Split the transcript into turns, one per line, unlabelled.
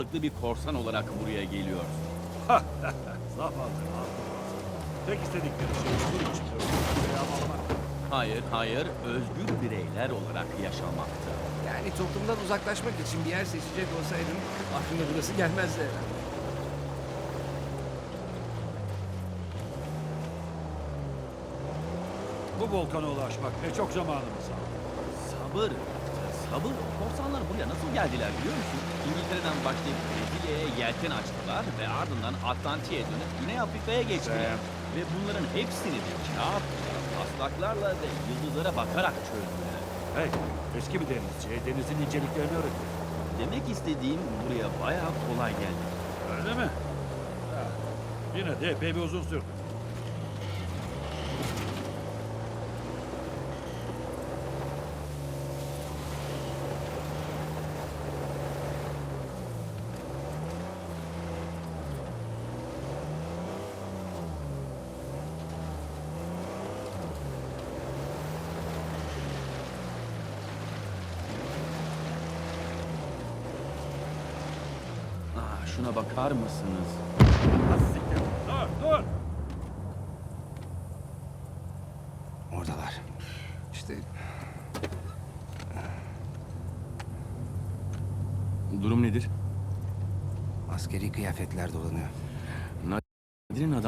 bir korsan olarak buraya geliyorsun.
Zavallı Albatross. Tek istedikleri şey sur içinde ölmek ve yağmalamak.
Hayır, özgür bireyler olarak yaşamaktı.
Yani toplumdan uzaklaşmak için bir yer seçecek olsaydım aklıma burası gelmezdi herhalde.
Bu volkana ulaşmak ne çok zamanımız aldı.
Sabır, sabır. Korsanlar buraya nasıl geldiler biliyor musun? İngiltere'den başlayıp Brezilya'ya yelken açtılar ve ardından Atlantik'e dönüp Güney Afrika'ya geçtiler. Ve bunların hepsini de kağıtla, taslaklarla ve yıldızlara bakarak çözdüler.
Hey, eski bir denizci denizin inceliklerini öğretti.
Demek istediğim buraya bayağı kolay geldi.
Öyle mi? Ha, yine de epey bir uzun sürdü.
Şuna bakar mısınız?
Az siktir. Dur!
Oradalar. İşte
Durum nedir?
askeri kıyafetler dolanıyor.
Nadir'in